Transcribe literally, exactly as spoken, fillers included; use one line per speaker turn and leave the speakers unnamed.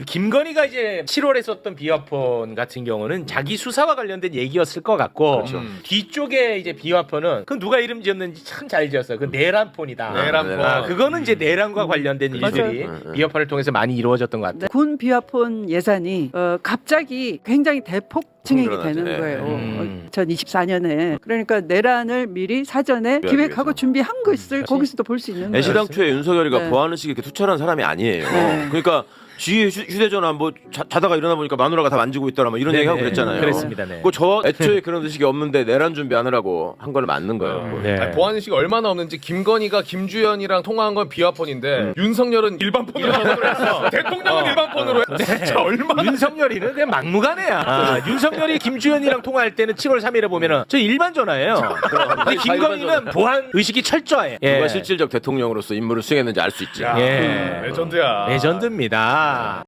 김건희가 이제 칠월에 썼던 비화폰 같은 경우는 자기 수사와 관련된 얘기였을 것 같고
그렇죠.
음. 뒤쪽에 이제 비화폰은 그 누가 이름 지었는지 참 잘 지었어요. 그 내란폰이다.
내란폰.
아, 그거는 이제 내란과 관련된 일들이
맞아요.
비화폰을 통해서 많이 이루어졌던 것 같아요.
네. 군 비화폰 예산이 어, 갑자기 굉장히 대폭 증액이
늘어나죠.
되는
예.
거예요.
음.
어, 이천이십사 년에. 그러니까 내란을 미리 사전에
준비하기
기획하고
위해서.
준비한 것을 거기서도 볼 수 있는 거예요.
애시당초에 윤석열이가
네.
보안의식이 이렇게 투철한 사람이 아니에요.
네.
그러니까 주위에 휴- 휴대전화 뭐 자, 자다가 일어나 보니까 마누라가 다 만지고 있더라 뭐 이런
네네.
얘기하고 그랬잖아요.
그랬습니다. 네.
그저 애초에 그런 의식이 없는데 내란 준비하느라고 한 건 맞는 거예요.
네.
아니, 보안의식이 얼마나 없는지 김건희가 김주현이랑 통화한 건 비화폰인데 윤석열은 일반 폰으로 전화를 했어. 대통령은 일반 폰으로 해. 진짜 얼마나
윤석열이는 그냥 막무가내야. 아, 윤석열이 김주현이랑 통화할 때는 칠월 삼일에 보면은 저 일반 전화예요. 근데 김건희는 보안 의식이 철저해. 예.
누가 실질적 대통령으로서 임무를 수행했는지 알 수 있지.
야,
예.
레전드야.
레전드입니다.